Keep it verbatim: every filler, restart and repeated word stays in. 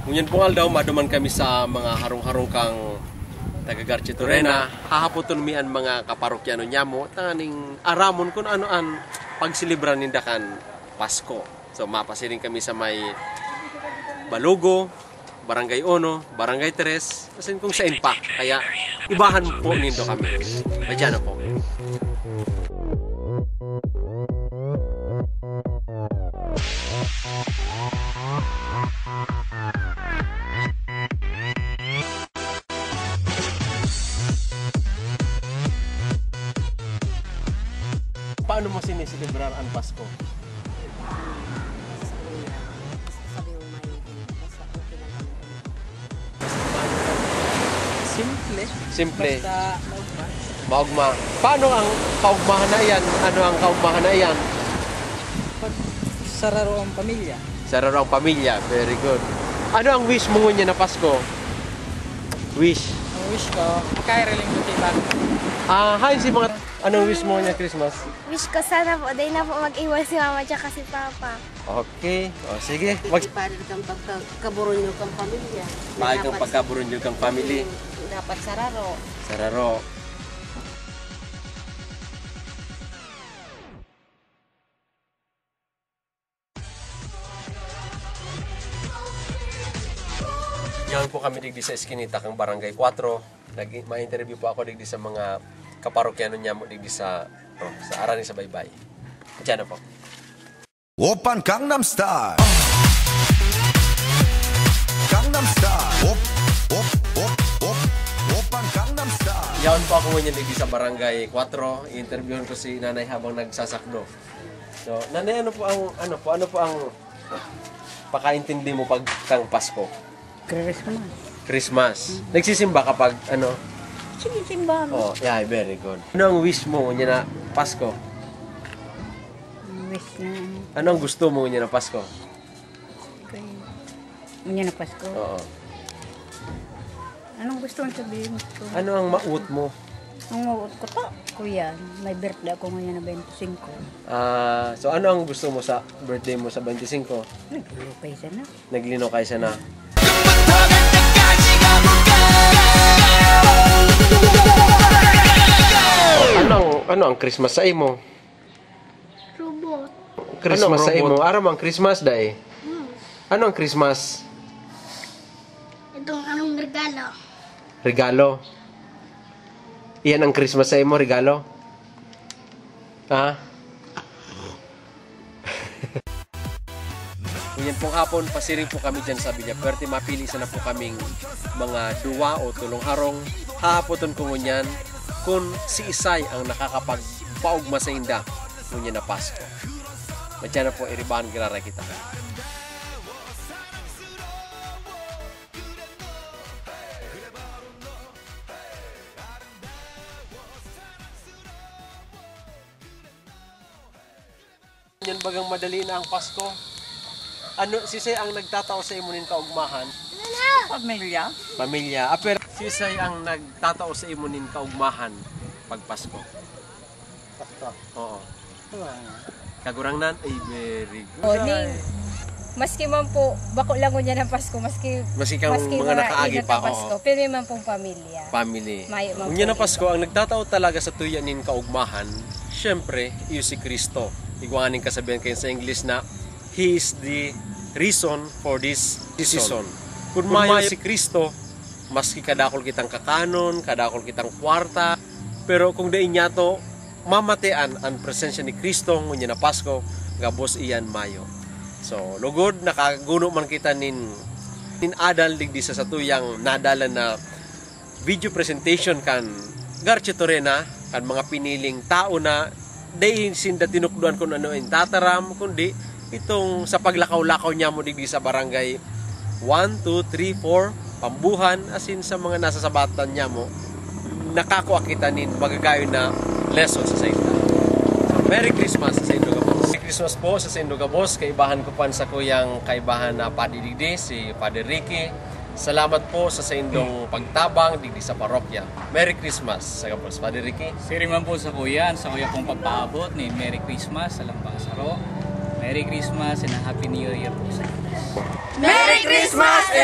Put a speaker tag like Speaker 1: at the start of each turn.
Speaker 1: Ngunyan po daw, maduman kami sa mga harong-harong kang taga Garcia Torena. Hahapoton mian mga kaparokyano niya mo, tanganing aramon kung ano-an pagsilibran nindakan Pasko. So mapasiring kami sa may Balugo, Barangay Uno, Barangay Tres, kasi kung saan pa. Kaya ibahan po nindo kami. Madyan na po. Paano mo sinisilibrar ang Pasko?
Speaker 2: Simple.
Speaker 1: Simple.
Speaker 2: Basta maugma.
Speaker 1: Maugma. Paano ang kaugmahan na yan? Ano ang kaugmahan na yan?
Speaker 2: Pag sararo ang pamilya.
Speaker 1: Sararo ang pamilya. Very good. Ano ang wish mo niya na Pasko? Wish.
Speaker 2: Ang wish ko, makaireling ko tiban.
Speaker 1: Ah, hi si mga... Anong wish mo niya Christmas?
Speaker 3: Wish ko sana po, dahil na po mag-iwan si mama tsaka si papa.
Speaker 1: Okay. O, sige. Mag...
Speaker 4: Para kang pagkaburon nyo kang pamilya.
Speaker 1: Mahal kang pagkaburon nyo kang family.
Speaker 4: Dapat sararo.
Speaker 1: Sararo. Yan po kami digdi sa Eskinita kang Barangay four. Nag ma-interview po ako digdi sa mga kaparokyano niya mo digdi sa oh, sa Arani sa Baybay. Diyan na po.
Speaker 5: Oppan Gangnam Style. Gangnam Style. Op op op op. Oppan Gangnam Style.
Speaker 1: Yan po ako ngayon digdi sa Barangay four. I-interviewin ko si Nanay habang nagsasakdo. So, Nanay, ano po ang ano po ano po ang pakaintindi mo pag kang Pasko?
Speaker 4: Christmas.
Speaker 1: Christmas. Nagsisimba kapag ano?
Speaker 4: Sinisimba mo.
Speaker 1: Oh, yeah, very good. Ano ang wish mo niya na Pasko?
Speaker 4: Wish na.
Speaker 1: Ano ang gusto mo niya na Pasko?
Speaker 4: Okay. Ngayon na Pasko.
Speaker 1: Oo.
Speaker 4: Anong gusto mong sabihin ko?
Speaker 1: Ano ang mauot mo?
Speaker 4: Ang mauot ko to, kuya. May birthday ako ngayon na twenty-five.
Speaker 1: Ah, so ano ang gusto mo sa birthday mo sa twenty-five?
Speaker 4: Naglulupay siya na.
Speaker 1: Naglino kay sana. Ano ano ang Christmas sa imo?
Speaker 3: Robot.
Speaker 1: Christmas sa imo. Aram ang Christmas day.
Speaker 3: Hmm.
Speaker 1: Ano ang Christmas?
Speaker 3: Itong anong regalo?
Speaker 1: Regalo. Iyan ang Christmas sa imo, regalo. Ha? Ngayon pong hapon, pasiring po kami dyan sa Villapuerte. Mapili sana po kaming mga duwa o tulong harong. Hahapoton ko ngunyan kung si Isay ang nakakapagpaugma sa inda ngunyan na Pasko. Madyan na po, iribahan girara kita. Yan bagang madali na ang Pasko. Ano, si Say ang nagtatao sa imunin kaugmahan?
Speaker 2: Pamilya.
Speaker 1: Pamilya. Ah, pero si Say ang nagtatao sa imunin kaugmahan pag Pasko.
Speaker 2: Pasko.
Speaker 1: Oo. Kagurangnan ay very good.
Speaker 6: Morning. Maski man po, bako lang ko niya ng Pasko, maski,
Speaker 1: Maski kang mga nakaagi pa,
Speaker 6: Pasko,
Speaker 1: oo.
Speaker 6: pero man pong pamilya.
Speaker 1: Family.
Speaker 6: Mayo man
Speaker 1: Unya na
Speaker 6: po
Speaker 1: Pasko, ang nagtatao talaga sa tuyanin kaugmahan, syempre, iyo si Kristo. Iguanin kasabihan kayo sa English na He is the reason for this season. Kung mayo si Kristo, maski kadakol kitang kakanon, kadakol kitang kwarta, pero kung dain niya to, mamatean ang presensya ni Kristo, ngunya na Pasko, gabos iyan mayo. So, lugod, nakaguno man kita nin, nin adal digdi sa satuyang nadala na video presentation kan Garcia Torena, kan mga piniling tao na dahin sinda tinukduan kung ano yung tataram, kundi itong sa paglakaw-lakaw niya mo digdi sa barangay one, two, three, four, Pambuhan, asin sa mga nasa sabatan niya mo, nakakuha kita nin magagayon na lesson sa Sainda. So, Merry Christmas sa Saint Gabos. Merry Christmas po sa Saint Gabos. Kaibahan ko pan sa kuyang kaibahan na padidigdi, si Padre Ricky. Salamat po sa sa indong pagtabang digdi sa parokya. Merry Christmas sa Gabos. Padre Ricky.
Speaker 2: Siri man po sa kuya, sa kuya pong pagpaabot ni Merry Christmas sa Lambang Saro. Merry Christmas and a Happy New Year po sa inyo.
Speaker 6: Merry Christmas